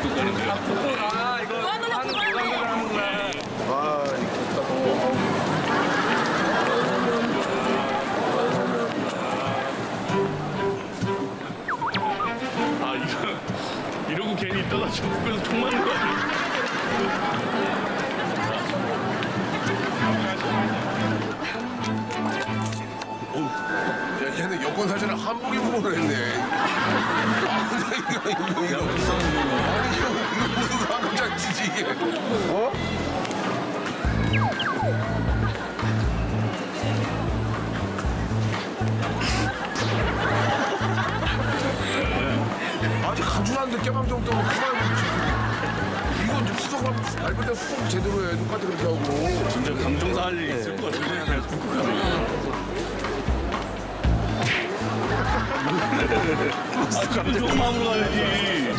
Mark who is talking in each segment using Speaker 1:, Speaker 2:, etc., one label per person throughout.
Speaker 1: 북극 가는데요.
Speaker 2: 아, 이거 하는 무관객을 하는구나.
Speaker 3: 아, 이거
Speaker 1: 아, 이러고 괜히 있다가 저 북극에서 총 맞는 거 아니에요?
Speaker 3: 야, 걔는 여권 사진을 한복 입고 했네. 아, 이거. 아니, 이거 무슨 한국 장치지, 이게. 어? 아직 간주하는데 깨방 정도면 그만 먹지. 이거 이제 수석하면 밟을 때 수석 제대로 해. 똑같이 그렇게 하고.
Speaker 1: 진짜 감정사 할 일 있을 것 같은데 그냥 북극 가면. 아, 감정 마음으로 가야지.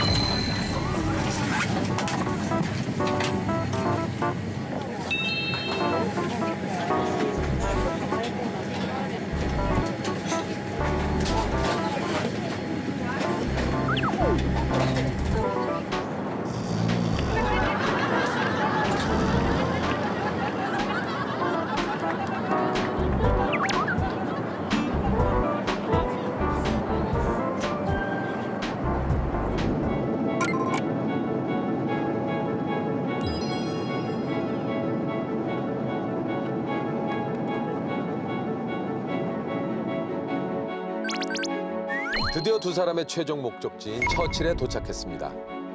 Speaker 4: 드디어 두 사람의 최종 목적지인 처칠에 도착했습니다.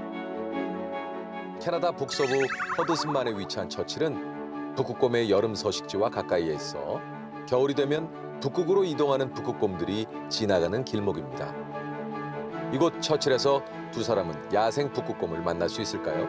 Speaker 4: 캐나다 북서부 허드슨만에 위치한 처칠은 북극곰의 여름 서식지와 가까이에 있어 겨울이 되면 북극으로 이동하는 북극곰들이 지나가는 길목입니다. 이곳 처칠에서 두 사람은 야생 북극곰을 만날 수 있을까요?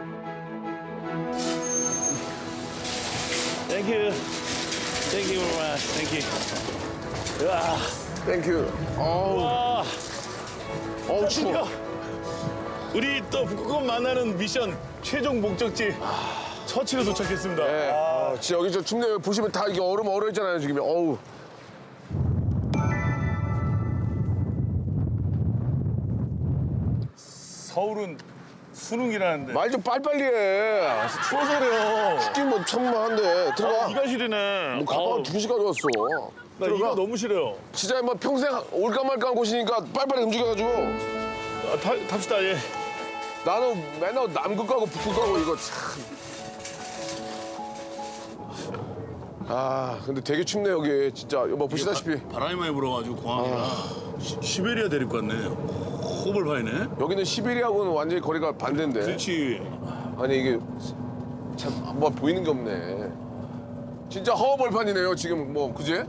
Speaker 1: Thank you. Thank you very much. Thank you. 으아,
Speaker 3: 땡큐. 어우,
Speaker 1: 와,
Speaker 3: 어우, 추워.
Speaker 1: 우리 또 북극곰 만나는 미션 최종 목적지 처치로 도착했습니다.
Speaker 3: 네. 아, 진짜 여기 저 춥네요. 보시면 다 이게 얼음 얼어 있잖아요, 지금. 어우.
Speaker 1: 서울은 수능이라는데.
Speaker 3: 말 좀 빨리빨리 해.
Speaker 1: 추워서 그래요.
Speaker 3: 춥긴 뭐 천만한데. 들어가.
Speaker 1: 이가 싫으네.
Speaker 3: 뭐 가방 두 시간 왔어.
Speaker 1: 나
Speaker 3: 들어가.
Speaker 1: 이가 너무 싫어요.
Speaker 3: 진짜 뭐 평생 올까 말까 한 곳이니까 빨리빨리 움직여가지고.
Speaker 1: 아, 탑시다, 예.
Speaker 3: 나는 맨날 남극 가고 북극 가고 이거 참. 아, 근데 되게 춥네, 여기. 진짜. 뭐 보시다시피.
Speaker 1: 바람이 많이 불어가지고 공항이라 시베리아 데리고 왔네. 호벌 파이네.
Speaker 3: 여기는 시베리아하고는 완전히 거리가 반대인데.
Speaker 1: 그렇지.
Speaker 3: 아니 이게 참 뭐 보이는 게 없네. 진짜 허허벌판이네요 지금 뭐 그제?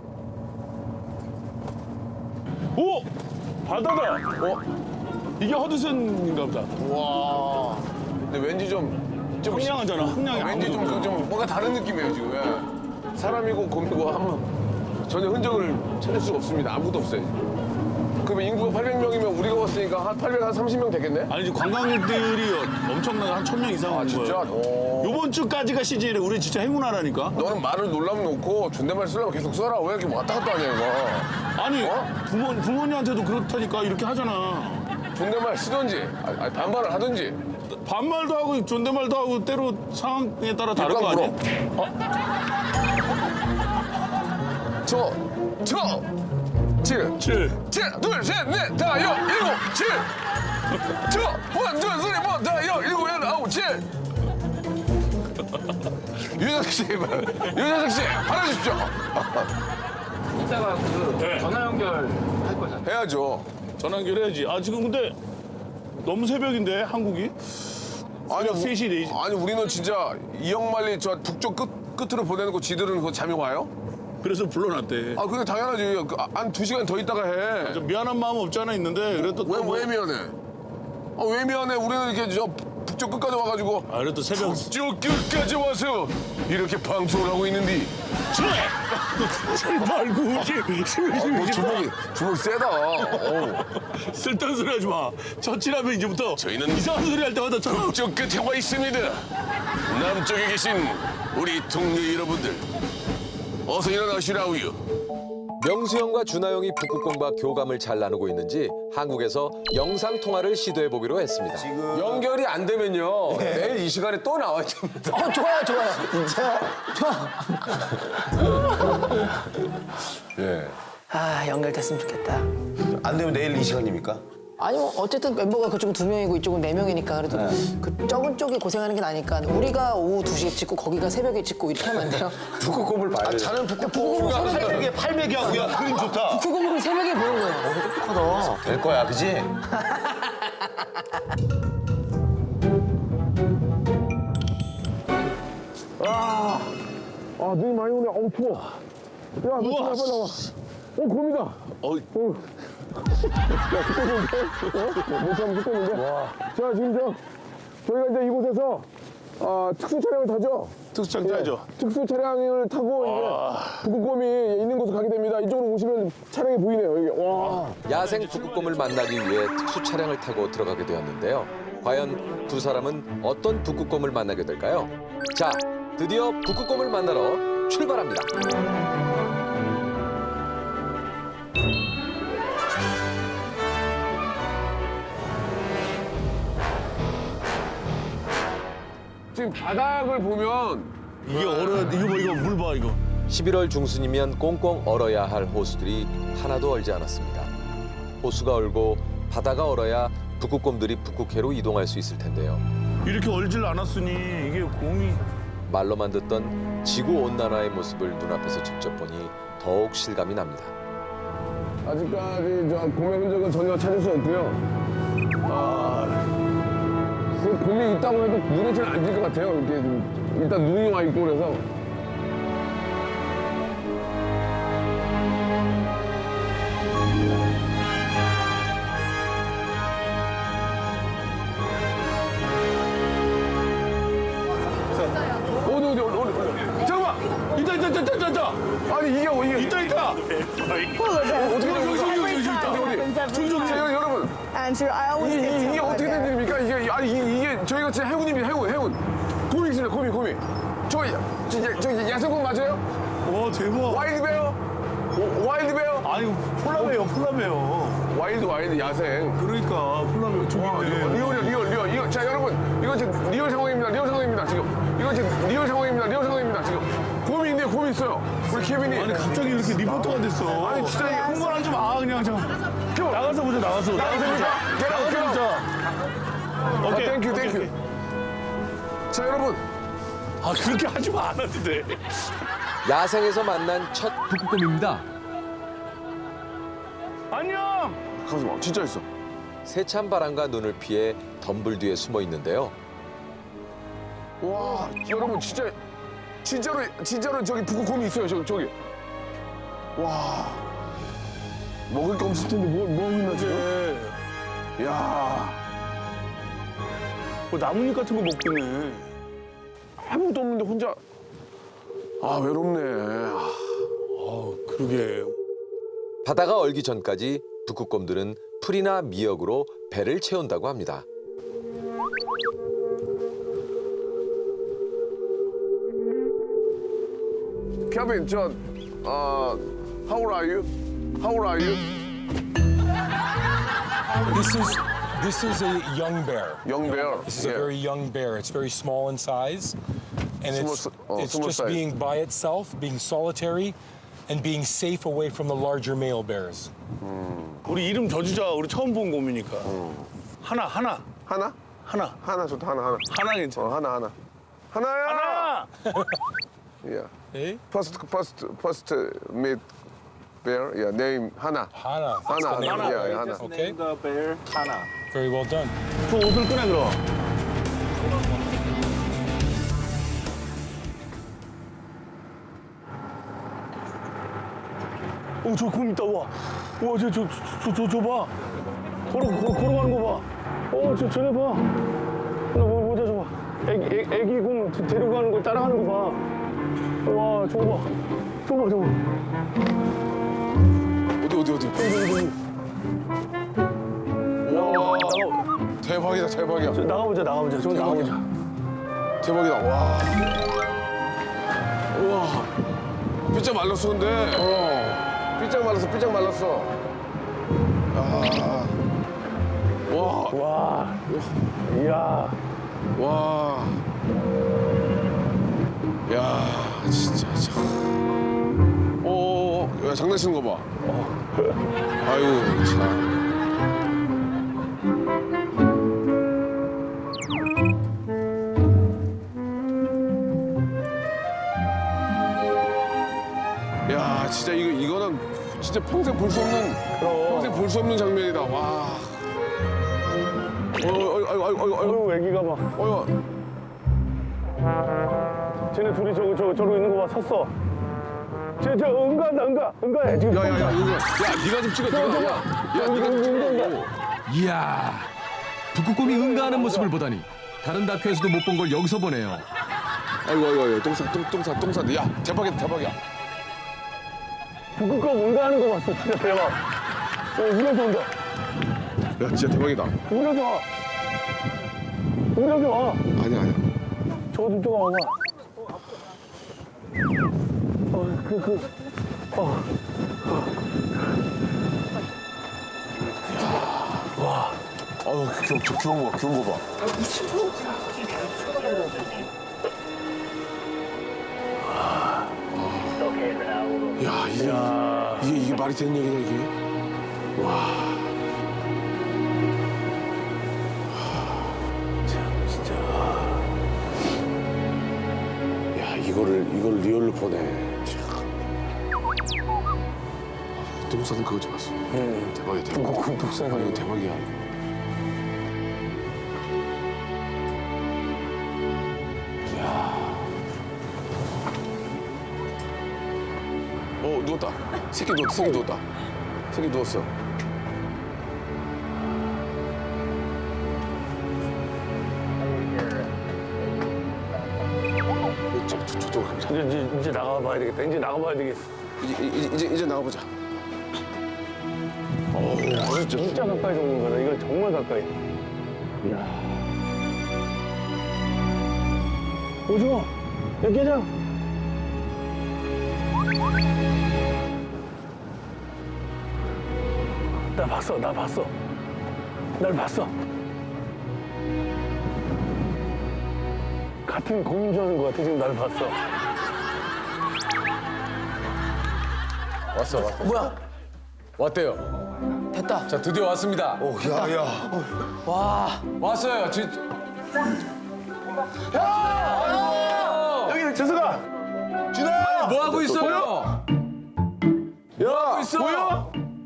Speaker 1: 오! 바다다. 이게 허드슨인가 보다.
Speaker 3: 와. 근데 왠지 좀
Speaker 1: 황량하잖아. 황량이
Speaker 3: 왠지 좀 뭔가 다른 느낌이에요 지금. 예. 사람이고 곰이고 하면 전혀 흔적을 찾을 수가 없습니다. 아무것도 없어요. 그러면 인구가 800명이면 우리가 왔으니까 한 830명 되겠네?
Speaker 1: 아니 이제 관광객들이 엄청나게 한 1000명 이상
Speaker 3: 아
Speaker 1: 오는
Speaker 3: 진짜?
Speaker 1: 거예요.
Speaker 3: 오.
Speaker 1: 요번 주까지가 시즌이래. 우리 진짜 행운하라니까.
Speaker 3: 너는 말을 놀라면 놓고 존댓말 쓰려면 계속 써라. 왜 이렇게 왔다 갔다 하냐 이거.
Speaker 1: 아니
Speaker 3: 어?
Speaker 1: 부모님한테도 그렇다니까 이렇게 하잖아.
Speaker 3: 존댓말 쓰든지 아니, 반말을 하든지.
Speaker 1: 반말도 하고 존댓말도 하고 때로 상황에 따라 다른 거 아니야?
Speaker 3: 칠.
Speaker 1: 7.
Speaker 3: 둘, 셋, 넷, 다, 여, 일곱, 칠. 원, 둘, 쓰리, 뭐, 다, 여, 일곱, 여덟, 아홉, 칠. 유재석 씨, 유재석 씨, 받아주십시오.
Speaker 2: 이따가 그 전화 연결할 거잖아.
Speaker 3: 해야죠.
Speaker 1: 전화 연결해야지. 아 지금 근데 너무 새벽인데 한국이?
Speaker 3: 아니,
Speaker 1: 새벽 3시, 4시.
Speaker 3: 아니, 우리는 진짜 이영만리 저 북쪽 끝으로 보내는 거 지들은 그거 잠이 와요?
Speaker 1: 그래서 불러놨대.
Speaker 3: 아, 그게 당연하지. 한 2시간 더 있다가 해.
Speaker 1: 좀 미안한 마음 없지 않아 있는데 그래도 또 뭐-
Speaker 3: 왜 미안해? 왜 미안해? 우리는 이렇게 저 북쪽 끝까지 와가지고.
Speaker 1: 아 그래도 새벽
Speaker 3: 북쪽 끝까지 와서 이렇게 방송을 하고 있는데.
Speaker 1: 말고
Speaker 3: 뭐 주먹이 세다. 어우.
Speaker 1: 쓸데없는 소리 하지 마. 처치라면 이제부터
Speaker 3: 저희는
Speaker 1: 이상한 소리 할 때마다 저
Speaker 3: 북쪽 끝에 와 있습니다. 남쪽에 계신 우리 동료 여러분들, 어서 일어나시라우요.
Speaker 4: 명수 형과 준하 형이 북극곰과 교감을 잘 나누고 있는지 한국에서 영상 통화를 시도해 보기로 했습니다.
Speaker 3: 연결이 안 되면요. 내일 이 시간에 또 나와야 됩니다.
Speaker 5: 좋아요, 좋아요. 진짜 좋아.
Speaker 3: 예.
Speaker 5: 아, 연결됐으면 좋겠다.
Speaker 6: 안 되면 내일 이 시간입니까?
Speaker 5: 아니 뭐 어쨌든 멤버가 그쪽은 2명이고 이쪽은 4명이니까 그래도 그 적은 쪽이 고생하는 게 나니까 우리가 오후 2시에 찍고 거기가 새벽에 찍고 이렇게 하면 안 돼요?
Speaker 3: 북극곰을 봐야 돼요.
Speaker 6: 자는 북극곰 800에 800이 하고 야 그림 좋다.
Speaker 5: 그거를 새벽에 보는 거예요.
Speaker 6: 똑똑하다. 될 거야, 그지?
Speaker 3: 아, 눈이 많이 오네. 어우, 추워. 야, 빨리 나와. 곰이다. 야, 죽겠는데? 못 참으면 죽겠는데? 자, 지금 저희가 이제 이곳에서 특수 차량을 타죠?
Speaker 1: 특수장 짜죠.
Speaker 3: 특수 차량을 타고 이제 북극곰이 있는 곳으로 가게 됩니다. 이쪽으로 오시면 차량이 보이네요, 이게. 와.
Speaker 4: 야생 북극곰을 만나기 위해 특수 차량을 타고 들어가게 되었는데요. 과연 두 사람은 어떤 북극곰을 만나게 될까요? 자, 드디어 북극곰을 만나러 출발합니다.
Speaker 3: 지금 바닥을 보면
Speaker 1: 이게 이거 물 봐, 이거.
Speaker 4: 11월 중순이면 꽁꽁 얼어야 할 호수들이 하나도 얼지 않았습니다. 호수가 얼고 바다가 얼어야 북극곰들이 북극해로 이동할 수 있을 텐데요.
Speaker 1: 이렇게 얼질 않았으니 이게 곰이
Speaker 4: 말로만 듣던 지구온난화의 모습을 눈앞에서 직접 보니 더욱 실감이 납니다.
Speaker 3: 아직까지 곰의 흔적은 전혀 찾을 수 없고요. 그 곰이 있다고 해도 눈에 잘 안 띌 것 같아요. 이렇게 일단 눈이 와 있고 그래서. 어디. 잠깐만!
Speaker 1: 있다.
Speaker 3: 아니, 이게.
Speaker 1: 있다.
Speaker 3: 어떻게 된 거죠? 어디? 여러분.
Speaker 7: And I always get
Speaker 3: 이게
Speaker 7: tell
Speaker 3: 어떻게 된 일입니까? 이게 저희가 진짜 해군입니다. 해군. 곰이 있습니다. 곰이. 저 야생곰 맞아요?
Speaker 1: 와, 대박.
Speaker 3: 와일드베어? 와일드베어?
Speaker 1: 아니, 폴라베어.
Speaker 3: 와일드 야생.
Speaker 1: 그러니까 폴라베어 저기네.
Speaker 3: 리얼. 이거 자 여러분 이거 지금 리얼 상황입니다. 지금 이거 지금 리얼 상황입니다. 지금 곰이 있네요. 곰이 있어요. 우리 케빈이.
Speaker 1: 아니, 갑자기 이렇게 리포터가 됐어.
Speaker 3: 아니, 진짜 이게
Speaker 1: 흥분하지 마, 그냥 좀. 나가서 보자.
Speaker 3: 나가서
Speaker 1: 보자. 오케이.
Speaker 3: 땡큐. 자 여러분.
Speaker 1: 아, 그렇게 하지 마, 안 해도 돼.
Speaker 4: 야생에서 만난 첫 북극곰입니다.
Speaker 1: 안녕.
Speaker 3: 잠깐만 진짜 있어.
Speaker 4: 세찬 바람과 눈을 피해 덤불 뒤에 숨어 있는데요.
Speaker 3: 와 여러분 진짜로 저기 북극곰이 있어요. 저기. 와 먹을 게 없을 텐데 뭐 있나 지금? 야
Speaker 1: 뭐 나뭇잎 같은 거 먹고 있네.
Speaker 3: 아무것도 없는데 혼자. 외롭네.
Speaker 1: 그러게.
Speaker 4: 바다가 얼기 전까지 북극곰들은 풀이나 미역으로 배를 채운다고 합니다.
Speaker 3: 케빈, how old are you?
Speaker 8: This is a young bear.
Speaker 3: Young bear.
Speaker 8: This is a very young bear. It's very small in size, and it's
Speaker 3: small
Speaker 8: just
Speaker 3: size.
Speaker 8: being by itself, being solitary, and being safe away from the larger male bears.
Speaker 1: 우리 이름 져주자. 우리 처음 본 곰이니까. 하나.
Speaker 3: 하나 좋다. 하나.
Speaker 1: 하나 괜찮아.
Speaker 3: 하나야.
Speaker 1: 하나.
Speaker 3: Yeah.
Speaker 8: Hey,
Speaker 3: First meet bear. Yeah. Name 하나.
Speaker 8: Hana. That's the name.
Speaker 3: Yeah, 하나.
Speaker 8: Okay.
Speaker 2: the bear Hana.
Speaker 8: Very well done.
Speaker 1: 저 옷을 꺼내 그럼. 저 곰 있다. 와, 저 봐. 걸어가는 거 봐. 쟤네 봐. 보자, 저 봐. 애기 곰 데리고 가는 거 따라가는 거 봐. 와, 저거 봐.
Speaker 3: 어디. 와. 대박이다.
Speaker 1: 나가보자. 좀 나가보자.
Speaker 3: 대박이다. 와. 우와. 뼈 말랐어 근데. 삐짝 말랐어, 삐짝 말랐어. 아. 와,
Speaker 1: 와. 이야.
Speaker 3: 와. 야, 진짜 참. 야, 장난치는 거 봐. 아이고, 참. 야, 진짜 이거는 진짜 평생 볼 수 없는 평생 볼 수 없는 장면이다. 와.
Speaker 1: 어이구, 애기가 막. 쟤네 둘이 저러고 있는 거 봐, 섰어. 저 응가해, 지금.
Speaker 3: 야, 네가 좀 찍어.
Speaker 7: 이야, 북극곰이 응가하는 모습을 보다니 다른 다큐에서도 못 본 걸 여기서 보네요.
Speaker 3: 아이고, 똥싸. 야, 대박이야.
Speaker 1: 북극곰 응가하는 거 봤어, 진짜 대박. 우려서 온다.
Speaker 3: 야, 진짜 대박이다.
Speaker 1: 우려서 와.
Speaker 3: 아니야.
Speaker 1: 저거 좀 와봐.
Speaker 3: 귀여운 거 봐. 야, 이게 말이 되는 얘기냐, 이게? 와. 참, 진짜. 야, 이거를 리얼로 보내. 똥 싸는 그거 좀 봤어. 대박이야, 대박.
Speaker 1: 북극곰 똥 싸는
Speaker 3: 이거
Speaker 1: 거.
Speaker 3: 대박이야. 누웠다. 새끼 누웠다. 새끼 누웠어. 저쪽으로 가보자.
Speaker 1: 이제 나가봐야 되겠다. 이제 나가봐야 되겠어.
Speaker 3: 이제 나가보자.
Speaker 1: 진짜 가까이 오는 거다. 이거 정말 가까이. 이야. 오징어, 야, 깨자. 나 봤어. 날 봤어. 같은 공주하는 것 같아. 지금 날 봤어.
Speaker 4: 왔어.
Speaker 5: 뭐야?
Speaker 4: 왔대요.
Speaker 5: 됐다.
Speaker 4: 자, 드디어 왔습니다.
Speaker 5: 와.
Speaker 4: 왔어요.
Speaker 1: 여기 재석아.
Speaker 4: 뭐 하고 있어요?
Speaker 1: 야,
Speaker 4: 있어?
Speaker 1: 보여?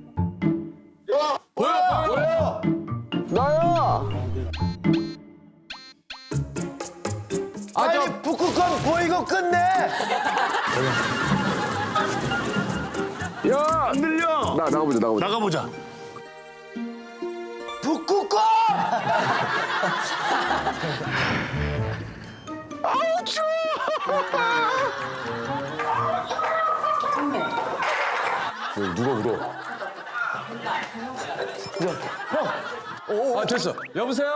Speaker 4: 보여?
Speaker 6: 아니 북극곰 보이고 끝내.
Speaker 1: 야, 안 들려.
Speaker 3: 나가보자.
Speaker 6: 북극곰.
Speaker 3: 누가 울어?
Speaker 4: 됐어. 여보세요?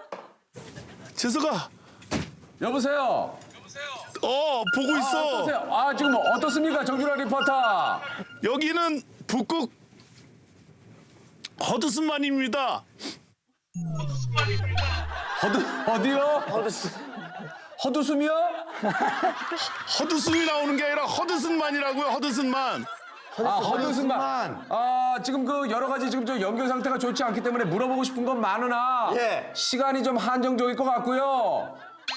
Speaker 1: 재석아.
Speaker 4: 여보세요?
Speaker 1: 보고 있어.
Speaker 4: 어떠세요? 지금 어떻습니까? 정준하 리포터.
Speaker 1: 여기는 북극 허드슨만입니다.
Speaker 4: 어디요? 허드숨이요?
Speaker 1: 허드슨이 나오는 게 아니라 허드슨만이라고요. 허드슨만.
Speaker 4: 허드슨만. 지금 그 여러 가지 지금 저 연결 상태가 좋지 않기 때문에 물어보고 싶은 건 많으나
Speaker 6: 예.
Speaker 4: 시간이 좀 한정적일 것 같고요.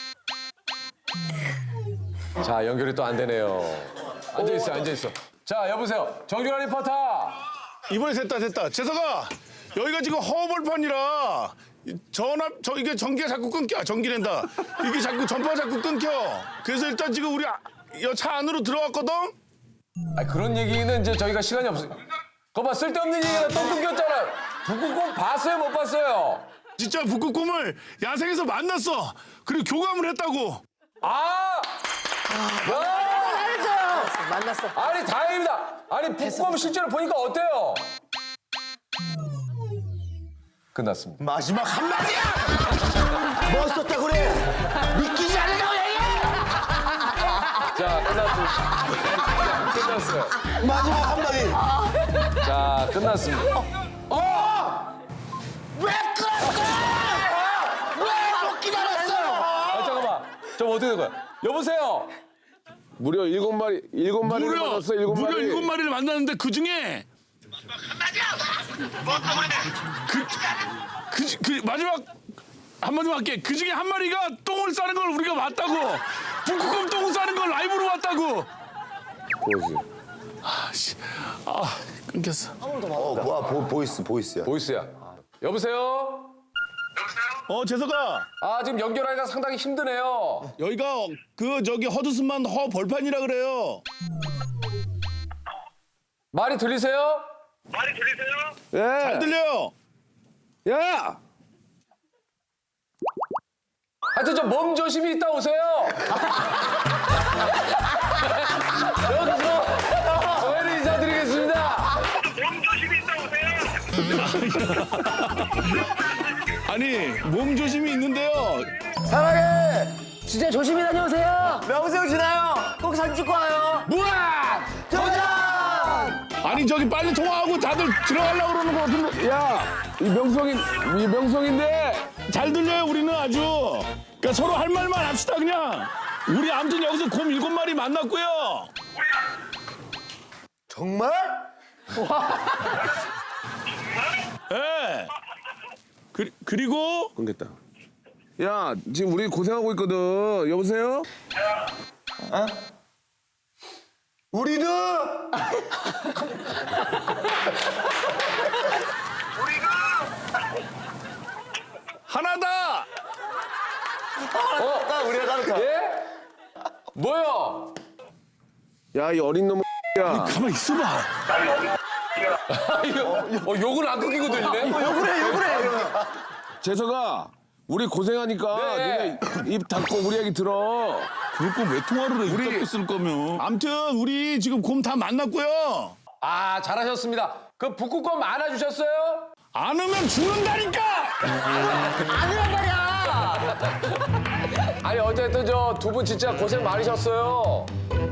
Speaker 4: 자, 연결이 또 안 되네요. 앉아있어. 자, 여보세요. 정준하 리포터.
Speaker 1: 이번에 됐다. 재석아, 여기가 지금 허벌판이라 이게 전기가 자꾸 끊겨. 전기랜다. 이게 자꾸 전파가 자꾸 끊겨. 그래서 일단 지금 우리 차 안으로 들어왔거든.
Speaker 4: 그런 얘기는 이제 저희가 시간이 없어요. 그거 봐, 쓸데없는 얘기가 또 끊겼잖아. 북극곰 봤어요, 못 봤어요?
Speaker 1: 진짜 북극곰을 야생에서 만났어. 그리고 교감을 했다고.
Speaker 5: 만났어.
Speaker 4: 아니, 다행입니다. 아니, 북극곰 실제로 보니까 어때요? 끝났습니다.
Speaker 6: 마지막 한마디야. 뭐 썼다 그래. 믿기지 않는다고 얘기해.
Speaker 4: 자,
Speaker 3: 끝났어요.
Speaker 6: 마지막 한마디.
Speaker 3: 자, 끝났습니다.
Speaker 6: 왜 끊었어? 왜못 기다렸어요?
Speaker 3: 아, 잠깐만. 좀 어떻게 된 거야? 여보세요? 무려 7마리를 만났어, 7마리.
Speaker 1: 무려 7마리를 만났는데 그 중에 그 마지막 한마디만 할게. 그 중에 한 마리가 똥을 싸는 걸 우리가 봤다고. 북극곰 똥 싸는 걸 라이브로 봤다고.
Speaker 3: 보이스.
Speaker 1: 끊겼어.
Speaker 6: 뭐야 보이스야.
Speaker 3: 보이스야. 여보세요?
Speaker 1: 재석아.
Speaker 3: 아, 지금 연결하기가 상당히 힘드네요.
Speaker 1: 여기가 저기 허드슨만 허 벌판이라 그래요.
Speaker 3: 말이 들리세요? 예.
Speaker 1: 잘 들려요.
Speaker 3: 야! 하여튼 저 몸 조심히 있다 오세요. 여기서 저희는 인사드리겠습니다.
Speaker 1: 아니 몸 조심히 있는데요.
Speaker 6: 사랑해.
Speaker 5: 진짜 조심히 다녀오세요.
Speaker 6: 명수 지나요. 꼭 사진 찍고 와요.
Speaker 1: 뭐야?
Speaker 6: 도전!
Speaker 1: 아니 저기 빨리 통화하고 다들 들어가려고 그러는 거 같은데.
Speaker 3: 야, 이 명성인데
Speaker 1: 잘 들려요 우리는 아주. 그러니까 서로 할 말만 합시다 그냥. 우리 아무튼 여기서 곰 7마리 만났고요.
Speaker 6: 정말?
Speaker 1: 예. 그리고
Speaker 3: 끊겠다. 야, 지금 우리 고생하고 있거든. 여보세요?
Speaker 6: 우리도
Speaker 1: 하나다.
Speaker 6: 우리가 따를까?
Speaker 3: 예? 뭐야? 야, 이 어린 놈. 야,
Speaker 1: 가만 있어봐.
Speaker 3: 욕을 안 끊기고 들리네.
Speaker 6: 욕을 해.
Speaker 3: 재석아, 우리 고생하니까
Speaker 2: 네.
Speaker 3: 니네 입 닫고 우리 얘기 들어.
Speaker 1: 그럴 거면 왜 통화를 해?
Speaker 3: 우리-
Speaker 1: 이따 쓸 거면. 아무튼 우리 지금 곰 다 만났고요.
Speaker 3: 아, 잘하셨습니다. 그 북극곰 안아주셨어요?
Speaker 1: 안 오면 죽는다니까.
Speaker 3: 아니, 어쨌든 저 두 분 진짜 고생 많으셨어요.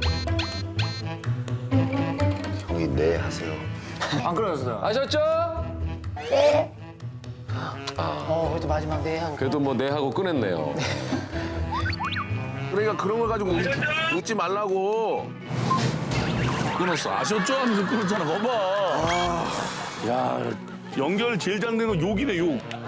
Speaker 6: 형이 네 하세요.
Speaker 3: 아셨죠?
Speaker 5: 그래도 마지막 네 한.
Speaker 3: 그래도 뭐 네 하고 끊었네요. 그러니까 그런 걸 가지고 웃지 말라고.
Speaker 1: 끊었어. 아셨죠? 하면서 끊었잖아. 봐봐. 야 연결 제일 잘 되는 거 욕이네 욕.